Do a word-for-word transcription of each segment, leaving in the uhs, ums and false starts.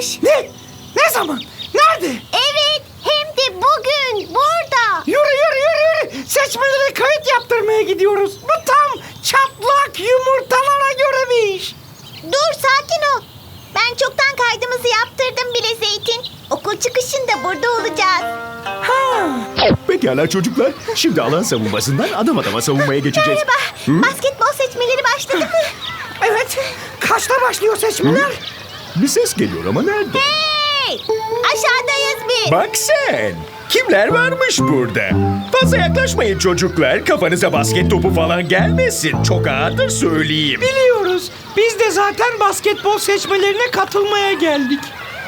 başlamış. Ne? Ne zaman? Nerede? Evet, hem de bugün burada. Yürü yürü yürü yürü. Seçmelere kayıt yaptırmaya gidiyoruz. Bu tam çatlak yumurtalara göre bir iş. Dur, sakin ol. Ben çoktan kaydımızı yaptırdım bile Zeytin. Okul çıkışında burada olacağız. Ha. Pekala çocuklar. Şimdi alan savunmasından adam adama savunmaya geçeceğiz. Merhaba. Basketbol seçmeleri başladı mı? Evet. Kaçta başlıyor seçmeler? Bir ses geliyor ama nerede? Hey! Aşağıdayız biz. Bak sen. Kimler varmış burada? Fazla yaklaşmayın çocuklar. Kafanıza basket topu falan gelmesin. Çok ağırdır söyleyeyim. Biliyoruz. Biz de zaten basketbol seçmelerine katılmaya geldik.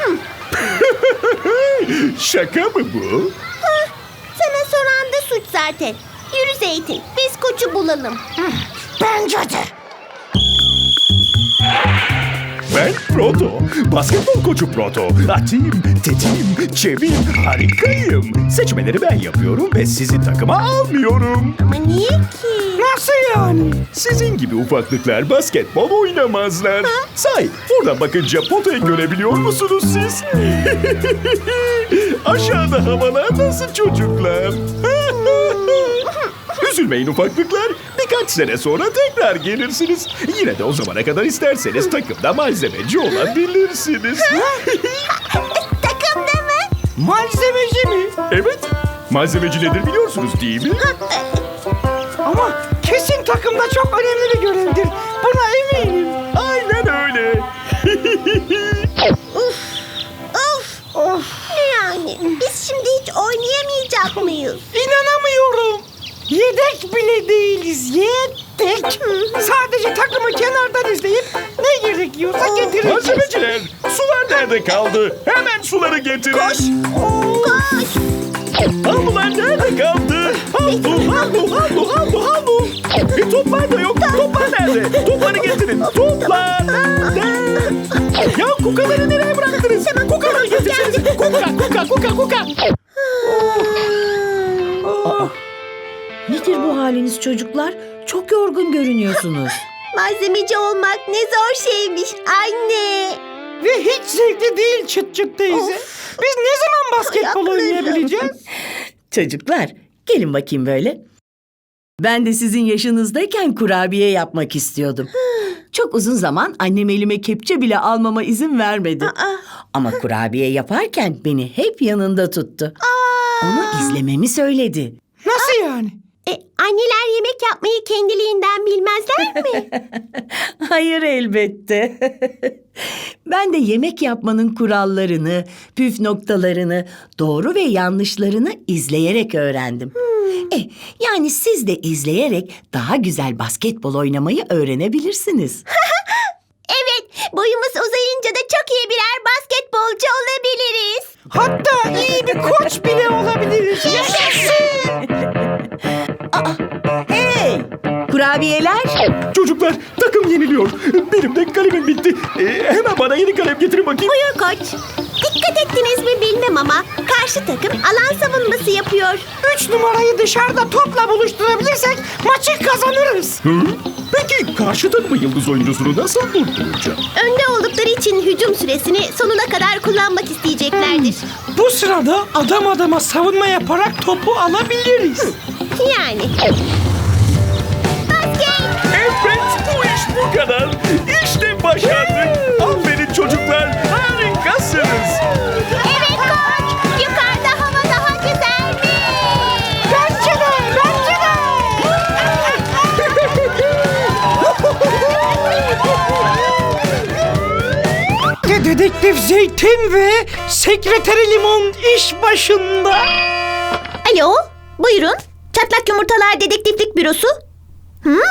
Şaka mı bu? Hah, sana soran da suç zaten. Yürü Zeytin, biz koçu bulalım. Bence de. Ben Proto. Basketbol koçu Proto. Atayım, tetiğim, çeviyim, harikayım. Seçmeleri ben yapıyorum ve sizi takıma almıyorum. Ama niye ki? Nasıl yani? Sizin gibi ufaklıklar basketbol oynamazlar. Say, buradan bakınca potayı görebiliyor musunuz siz? Aşağıda havalar nasıl çocuklar? Üzülmeyin ufaklıklar. Birkaç sene sonra tekrar gelirsiniz. Yine de o zamana kadar isterseniz takımda malzemeci olabilirsiniz. Takımda mı? Malzemeci mi? Evet, malzemeci nedir biliyorsunuz değil mi? Ama kesin takımda çok önemli bir görevdir. Buna eminim. Aynen öyle. Of, Of, ne yani? Biz şimdi hiç oynayamayacak mıyız? inanamıyorum. Yedek bile değiliz. Yedek. Sadece takımı kenardan izleyip ne gerekiyorsa getireceğiz. Malzemeciler, sular nerede kaldı? Hemen suları getirin. Koş! Koş! Havlular nerede kaldı? Havlu, havlu, havlu, havlu, havlu. E, toplar da yok. Toplar nerede? Topları getirin. Toplar. Nerede? Ya kukaları nereye bıraktınız? Kukaları getirseniz. Kuka, kuka, kuka, kuka. Nedir bu haliniz çocuklar? Çok yorgun görünüyorsunuz. Malzemeci olmak ne zor şeymiş anne. Ve hiç zevkli değil çıt çıt teyze. Of. Biz ne zaman basketbol Ayaklarım. oynayabileceğiz? Çocuklar, gelin bakayım böyle. Ben de sizin yaşınızdayken kurabiye yapmak istiyordum. Çok uzun zaman annem elime kepçe bile almama izin vermedi. Aa. Ama kurabiye yaparken beni hep yanında tuttu. Onu izlememi söyledi. Nasıl yani? E, anneler yemek yapmayı kendiliğinden bilmezler mi? Hayır elbette. Ben de yemek yapmanın kurallarını, püf noktalarını, doğru ve yanlışlarını izleyerek öğrendim. Eh, yani siz de izleyerek daha güzel basketbol oynamayı öğrenebilirsiniz. Evet, boyumuz uzayınca da çok iyi birer basketbolcu olabiliriz. Hatta iyi bir koç bile olabiliriz. Hey! Kurabiyeler! Çocuklar, takım yeniliyor. Benim de kalemim bitti. E, hemen bana yeni kalem getirin bakayım. Buyur koç. Dikkat ettiniz mi bilmem ama karşı takım alan savunması yapıyor. Üç numarayı dışarıda topla buluşturabilirsek maçı kazanırız. Hı? Peki karşı takımın yıldız oyuncusunu nasıl durduracağım? Önde oldukları için hücum süresini sonuna kadar kullanmak isteyeceklerdir. Bu sırada adam adama savunma yaparak topu alabiliriz. Yani. Basket! Evet, bu iş bu kadar. İşte başardık. Aferin çocuklar, harikasınız. Evet koç! Yukarıda hava daha güzelmiş. Bence de, bence de. Ve Dedektif Zeytin ve Sekreteri Limon iş başında. Alo, buyurun. Çatlak Yumurtalar Dedektiflik Bürosu. Hı?